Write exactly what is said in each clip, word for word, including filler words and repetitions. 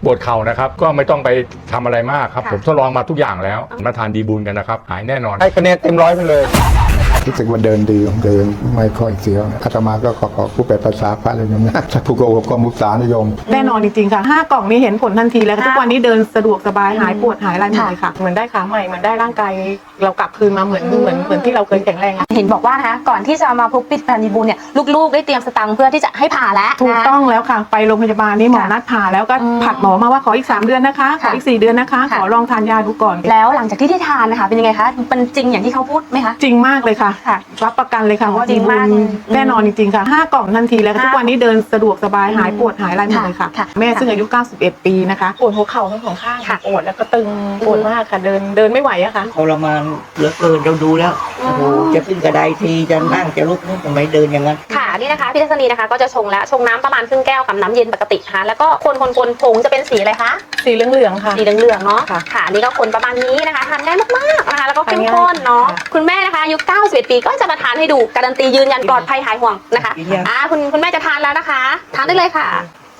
ปวดเข่านะครับก็ไม่ต้องไปทำอะไรมากครับผมทดลองมาทุกอย่างแล้วมาทานดีบูลกันนะครับหายแน่นอนให้คะแนนเต็มร้อยไปเลยรู้สึกว่าเดินดีเดินไม่ค่อยเสียวอาตมาก็ขอขอผู้แปลภาษาพระเลยนะถ้าผู้โกหกก็มุสานิยมแน่นอนจริงๆค่ะห้ากล่องนี้เห็นผลทันทีแล้วทุกวันนี้เดินสะดวกสบายหายปวดหายอะไรหมดเลยค่ะเหมือนได้ขาใหม่เหมือนได้ร่างกายเรากลับคืนมาเหมือนเหมือนเหมือนที่เราเคยแข็งแรงเห็นบอกว่านะคะก่อนที่จะมาพบปิดพันดีบูลเนี่ยลูกๆได้เตรียมสตังค์เพื่อที่จะให้ผ่าแล้วถูกต้องแล้วค่ะไปโรงพยาบาลนี่หมอนัดผ่าแล้วก็ผัดหมอมาว่าขออีกสามเดือนนะคะขออีกสี่เดือนนะคะขอลองทานยาดูก่อนแล้วหลังจากที่ได้ทานนะคะเป็นยังไงคะเป็นจริงอย่างที่เขาพูดไหมคะจริงมากเลยค่ะรับประกันเลยค่ะว่าดีบูลแน่นอนจริงๆค่ะห้ากล่องทันทีแล้วทุกวันนี้เดินสะดวกสบายหายปวดหายอะไรหมดเลยค่ะแม่ซึ่งอายุเก้าสิบเอ็ดปีนะคะปวดหัวเข่าทั้งสองข้างปวดแล้วก็ตึงปวดมากค่ะเดินเดินไม่ไหวอะค่ะทรมานเหลือเกินเราดูแล้วโอ้โหจะขึ้นกระไดทีจะนั่งจะลุกนี่ทำไมเดินอย่างนั้นค่ะนี่นะคะพี่ทัศนีนะคะก็จะชงแล้วชงน้ำประมาณครึ่งแก้วกับน้ำเย็นปกตินะคะแล้วก็คนคนคนผงจะเป็นสีอะไรคะสีเหลืองๆค่ะสีเหลืองๆเนาะค่ะนี่ก็คนประมาณนี้นะคะทานง่ายมากๆนะคะแล้วก็เข้มข้นเนาะคุณแม่นะคะอายุเก้าสิบเอ็ดปีก็จะมาทานให้ดูการันตียืนยันปลอดภัยหายห่วงนะคะอ่าคุณคุณแม่จะทานแล้วนะคะทานได้เลยค่ะ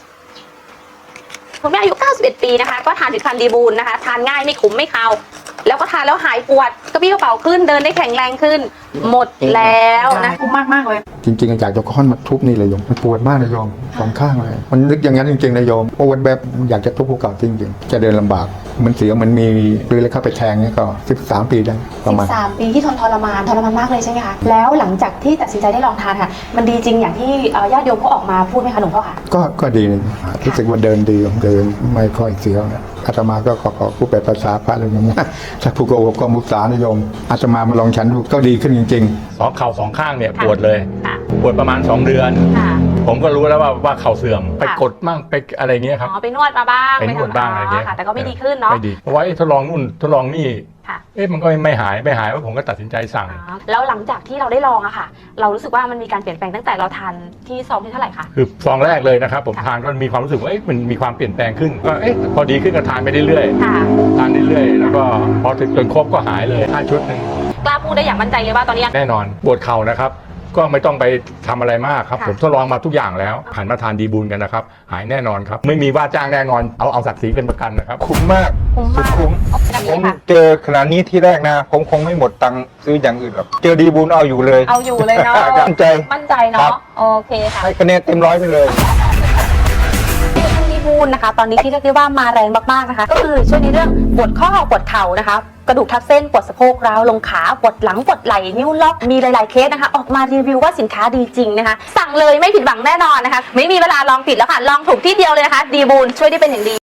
คุณแม่อายุเก้าสิบเอ็ดปีนะคะก็ทานผลิตภัณฑ์ดีบูลนะคะทานง่ายไม่ขมไม่คาวแล้วก็ทานแล้วหายปวดกระปี้กระเป๋าขึ้นเดินได้แข็งแรงขึ้นหมดแล้วนะคุ้มมากมากเลยจริงๆอยากจะค้อนมาทุบนี่เลยโยมมันปวดมากเลยโยมสองข้างเลยมันนึกอย่างนั้นจริงๆเลยโยมปวดแบบอยากจะทุบภูเขาจริงๆจะเดินลำบากมันเสียวมันมีหรือเลยเข้าไปแทงนี่ก็สิบสามปีได้ประมาณสิบสามปีที่ทนทรมานทรมานมากเลยใช่ไหมคะแล้วหลังจากที่ตัดสินใจได้ลองทานค่ะมันดีจริงอย่างที่ญาติโยมเขาออกมาพูดไหมคะหลวงพ่อคะก็ก็ดีรู้สึกว่าเดินดีเดินไม่ค่อยเสียวนะอาตมาก็ขอขอผู้แปลภาษาพระเลยนะถ้าผู้โกหกก็มุสานิยมอาตมามาลองฉันดูก็ดีขึ้นจริงๆสองเข่าสองข้างเนี่ยปวดเลยปวดประมาณสองเดือนผมก็รู้แล้วว่าว่าเข่าเสื่อมไปกดมั่งไปอะไรเงี้ยครับอ๋อไปนวดมาบ้างไปนวดบ้างอะไรเงี้ยแต่ก็ไม่ดีขึ้นเนาะไม่ดีเพราะว่าทดลองนู่นทดลองนี่เอ๊ะมันก็ไม่หายไม่หายว่าผมก็ตัดสินใจสั่งแล้วหลังจากที่เราได้ลองอะค่ะเรารู้สึกว่ามันมีการเปลี่ยนแปลงตั้งแต่เราทานที่ซองที่เท่าไหร่คะคือซองแรกเลยนะครับผมทานก็มีความรู้สึกว่าเอ๊ะมันมีความเปลี่ยนแปลงขึ้นก็เอ๊ะพอดีขึ้นก็ทานไปเรื่อยๆทานเรื่อยๆแล้วก็พอถึงจนครบก็หายเลยห้าชุดนึงกล้าพูดได้อย่างมั่นใจเลยว่าตอนนี้แน่นอนปวดเข่านะครับก็ไม่ต้องไปทำอะไรมากครับผมทดลองมาทุกอย่างแล้วหันมาทานดีบูลกันนะครับหายแน่นอนครับไม่มีว่าจ้างแน่นอนเอาเอาศักดิ์ศรีเป็นประกันนะครับคุ้มมากสุดคุ้มผมเจอขนาดนี้ที่แรกนะผมคงไม่หมดตังค์ซื้ออย่างอื่นหรอกเจอดีบูลเอาอยู่เลยเอาอยู่เลยเนาะมั่นใจมั่นใจเนาะโอเคค่ะให้คะแนนเต็มร้อยไปเลยดีบูลนะคะตอนนี้ที่เรียกได้ว่ามาแรงมากๆนะคะก็คือช่วยในเรื่องปวดข้อปวดเข่านะคะกระดูกทับเส้นปวดสะโพกร้าวลงขาปวดหลังปวดไหล่นิ้วล็อกมีหลายๆเคสนะคะออกมารีวิวว่าสินค้าดีจริงนะคะสั่งเลยไม่ผิดหวังแน่นอนนะคะไม่มีเวลาลองผิดแล้วค่ะลองถูกที่เดียวเลยนะคะดีบูลช่วยได้เป็นอย่างดี